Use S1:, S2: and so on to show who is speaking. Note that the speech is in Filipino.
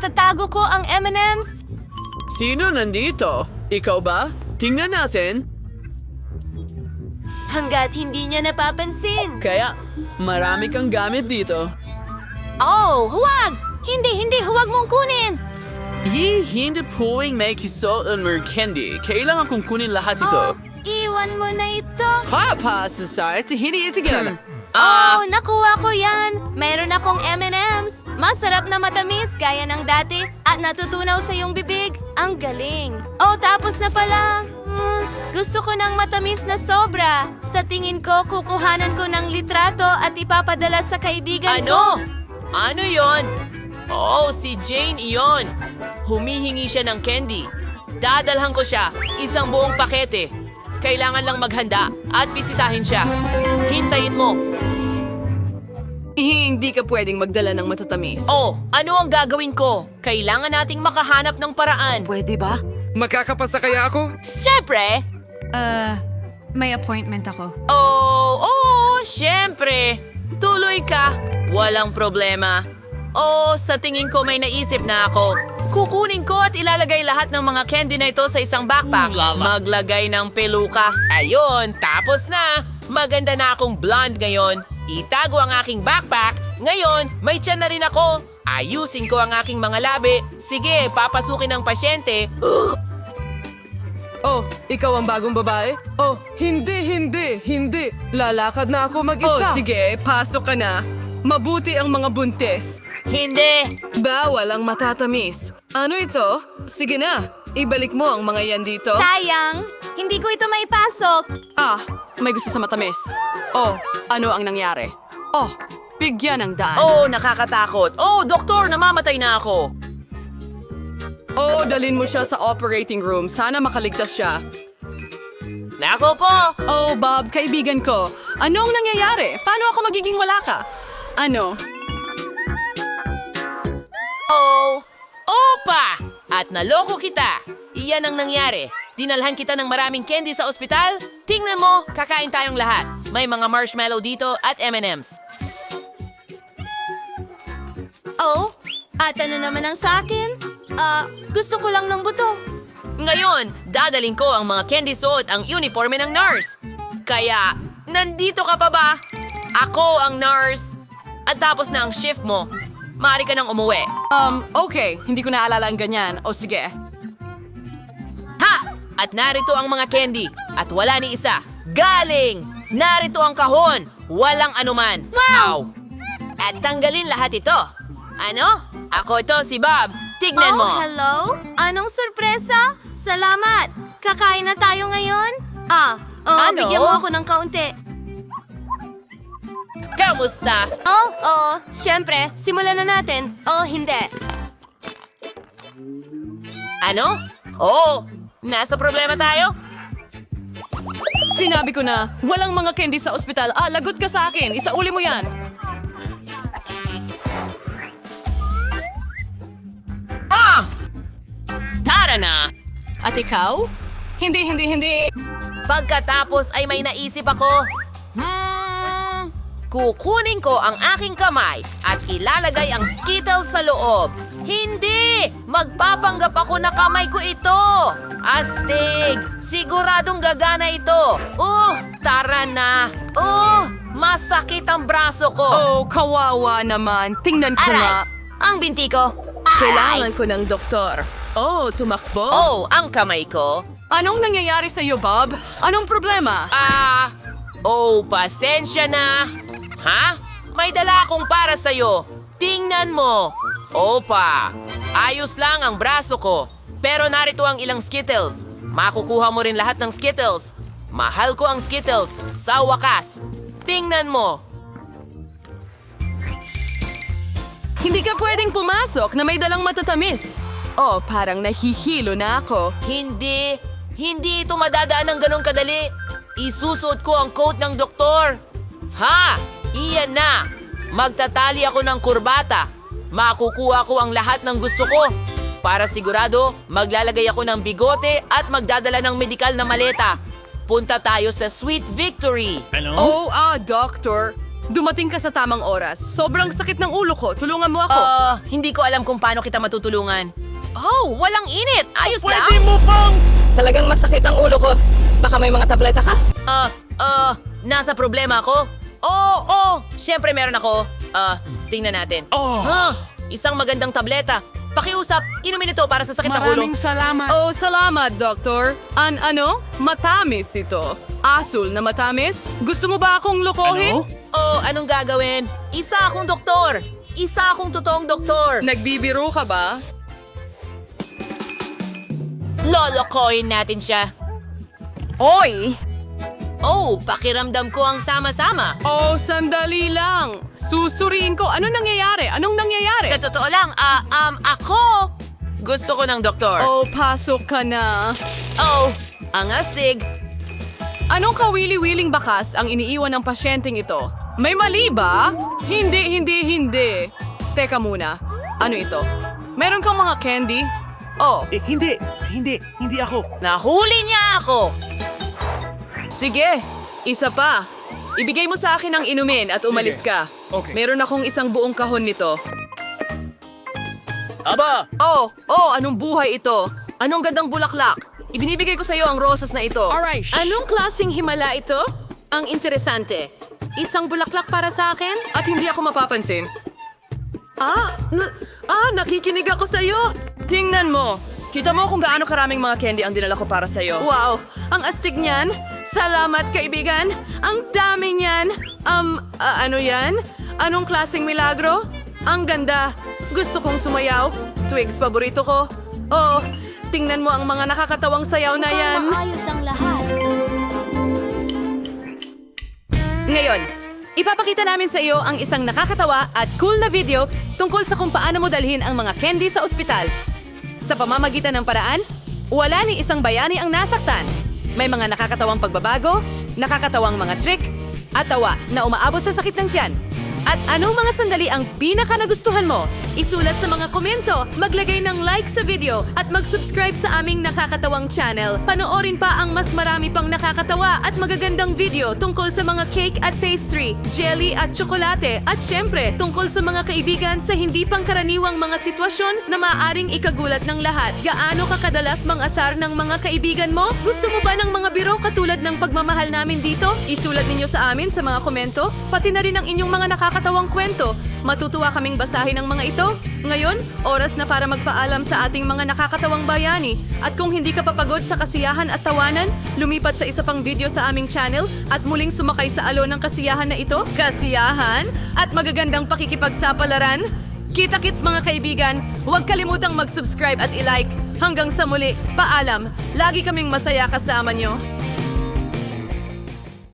S1: Itatago ko ang M&M's.
S2: Sino nandito? Ikaw ba? Tingnan natin.
S1: Hanggat hindi niya napapansin.
S2: Kaya, marami kang gamit dito.
S1: Oh, huwag! Hindi, huwag mong kunin!
S2: Hindi pwedeng may kisot ang candy. Kailangan kong kunin lahat ito.
S1: Oh, iwan mo na ito.
S2: Papa, society, hindi ito gana.
S1: Oh, nakuha ko yan. Meron akong M&M's. Masarap na matamis gaya ng dati at natutunaw sa iyong bibig. Ang galing. Oh, tapos na pala. Gusto ko ng matamis na sobra. Sa tingin ko, kukuhanan ko ng litrato at ipapadala sa kaibigan ko.
S3: Ano yon? Oh, si Jane iyon. Humihingi siya ng candy. Dadalhan ko siya, isang buong pakete. Kailangan lang maghanda at bisitahin siya. Hintayin mo.
S2: Hindi ka pwedeng magdala ng matatamis.
S3: Oh, ano ang gagawin ko? Kailangan nating makahanap ng paraan.
S2: Pwede ba? Makakapasa kaya ako?
S3: Siyempre!
S1: May appointment ako.
S3: Oh, siyempre! Tuloy ka! Walang problema. Oh, sa tingin ko may naisip na ako. Kukunin ko at ilalagay lahat ng mga candy na ito sa isang backpack. Maglagay ng peluka. Ayun, tapos na. Maganda na akong blonde ngayon. Itago ang aking backpack. Ngayon, may tiyan na rin ako. Ayusin ko ang aking mga labi. Sige, papasukin ng pasyente.
S2: Oh, ikaw ang bagong babae? Oh, hindi. Lalakad na ako mag-isa. Oh, sige, pasok ka na. Mabuti ang mga buntis.
S3: Hindi!
S2: Bawal ang matatamis. Ano ito? Sige na, ibalik mo ang mga yan dito.
S1: Sayang! Hindi ko ito maipasok.
S2: May gusto sa matamis. Oh, ano ang nangyari? Oh, bigyan ng daan.
S3: Oh, nakakatakot. Oh, doktor, namamatay na ako.
S2: Oh, dalin mo siya sa operating room. Sana makaligtas siya.
S3: Nako po!
S2: Oh, Bob, kaibigan ko. Anong nangyayari? Paano ako magiging wala ka? Ano?
S3: Oh! Opa! At naloko kita! Iyan ang nangyari. Dinalhan kita ng maraming candy sa ospital. Tingnan mo, kakain tayong lahat. May mga marshmallow dito at M&M's.
S1: Oh, at ano naman ang sa akin? Gusto ko lang ng buto.
S3: Ngayon, dadaling ko ang mga candy suot ang uniforme ng nurse. Kaya, nandito ka pa ba? Ako ang nurse. At tapos na ang shift mo. Maaari ka nang umuwi.
S2: Okay. Hindi ko naalala ang ganyan. O sige.
S3: Ha! At narito ang mga candy. At wala ni isa. Galing! Narito ang kahon. Walang anuman.
S1: Wow!
S3: Ow! At tanggalin lahat ito. Ano? Ako ito, si Bob. Tignan mo.
S1: Oh, hello? Anong sorpresa? Salamat! Kakain na tayo ngayon?
S3: Ano?
S1: Bigyan mo ako ng kaunti.
S3: Kamusta?
S1: Siyempre, simulan na natin. Oh, hindi.
S3: Ano? Oo. Nasa problema tayo?
S2: Sinabi ko na, walang mga candy sa ospital. Lagot ka sa akin. Isauli mo yan.
S3: Tara na!
S2: At ikaw? Hindi.
S3: Pagkatapos ay may naisip ako. Kukunin ko ang aking kamay at ilalagay ang Skittles sa loob. Hindi! Magpapanggap ako na kamay ko ito! Astig! Siguradong gagana ito! Tara na! Masakit ang braso ko!
S2: Oh, kawawa naman. Tingnan ko nga.
S1: Ang binti ko.
S2: Kailangan ko ng doktor. Oh, tumakbo?
S3: Ang kamay ko.
S2: Anong nangyayari sa iyo, Bob? Anong problema?
S3: Pasensya na. Ha? May dala akong para sa'yo. Tingnan mo. Opa, ayos lang ang braso ko. Pero narito ang ilang Skittles. Makukuha mo rin lahat ng Skittles. Mahal ko ang Skittles. Sa wakas. Tingnan mo.
S2: Hindi ka pwedeng pumasok na may dalang matatamis. Oh, parang nahihilo na ako.
S3: Hindi ito madadaan ng ganong kadali. Isusuot ko ang coat ng doktor. Ha? Iyan na. Magtatali ako ng kurbata. Makukuha ko ang lahat ng gusto ko. Para sigurado, maglalagay ako ng bigote at magdadala ng medikal na maleta. Punta tayo sa Sweet Victory.
S2: Oh, doctor. Dumating ka sa tamang oras. Sobrang sakit ng ulo ko. Tulungan mo ako.
S3: Hindi ko alam kung paano kita matutulungan. Oh, walang init. Ayos lang.
S4: Talagang masakit ang ulo ko. Baka may mga tableta ka?
S3: Nasa problema ako? Oo, syempre meron ako. Tingnan natin. Isang magandang tableta. Pakiusap, inumin ito para sa sakit ng ulo.
S2: Oh, salamat, Doktor. Matamis ito. Asul na matamis? Gusto mo ba akong lokohin?
S3: Anong gagawin? Isa akong doktor. Isa akong totoong doktor.
S2: Nagbibiro ka ba?
S3: Lolokohin natin siya.
S4: Oy!
S3: Oh, pakiramdam ko ang sama-sama.
S2: Oh, sandali lang. Susuriin ko. Anong nangyayari?
S3: Sa totoo lang, ako gusto ko ng doktor.
S2: Oh, pasok ka na.
S3: Oh, ang astig.
S2: Anong kawili-wiling bakas ang iniiwan ng pasyenteng ito? May mali ba? Hindi. Teka muna. Ano ito? Meron kang mga candy? Oh,
S5: Hindi ako.
S3: Nahuli niya ako.
S2: sige. Isa pa. Ibigay mo sa akin ang inumin at umalis ka.
S5: Okay.
S2: Meron akong isang buong kahon nito.
S3: Aba,
S2: Oh, anong buhay ito? Anong gandang bulaklak? Ibinibigay ko sa iyo ang rosas na ito.
S5: Alright.
S2: Anong klaseng himala ito? Ang interesante. Isang bulaklak para sa akin? At hindi ako mapapansin. Nakikinig ako sa iyo. Tingnan mo. Kita mo kung gaano karaming mga candy ang dinala ko para sa iyo. Wow, ang astig niyan. Salamat, kaibigan. Ang dami niyan. Ano yan? Anong klaseng milagro? Ang ganda. Gusto kong sumayaw. Twigs, paborito ko. Oh, tingnan mo ang mga nakakatawang sayaw na yan.
S1: Maayos ang lahat.
S2: Ngayon, ipapakita namin sa iyo ang isang nakakatawa at cool na video tungkol sa kung paano mo dalhin ang mga candy sa ospital. Sa pamamagitan ng paraan, wala ni isang bayani ang nasaktan. May mga nakakatawang pagbabago, nakakatawang mga trick, at tawa na umaabot sa sakit ng tiyan. At anong mga sandali ang pinaka nagustuhan mo? Isulat sa mga komento, maglagay ng like sa video, at mag-subscribe sa aming nakakatawang channel. Panoorin pa ang mas marami pang nakakatawa at magagandang video tungkol sa mga cake at pastry, jelly at tsokolate, at syempre tungkol sa mga kaibigan sa hindi pangkaraniwang mga sitwasyon na maaaring ikagulat ng lahat. Gaano ka kadalas mang-asar ng mga kaibigan mo? Gusto mo ba ng mga biro katulad ng pagmamahal namin dito? Isulat ninyo sa amin sa mga komento, pati na rin ang inyong mga nakakatawang kwento. Matutuwa kaming basahin ang mga ito. Ngayon, oras na para magpaalam sa ating mga nakakatawang bayani. At kung hindi ka papagod sa kasiyahan at tawanan, lumipat sa isa pang video sa aming channel at muling sumakay sa alon ng kasiyahan na ito. Kasiyahan at magagandang pakikipagsapalaran. Kita-kits mga kaibigan, huwag kalimutang mag-subscribe at i-like. Hanggang sa muli, paalam. Lagi kaming masaya kasama nyo.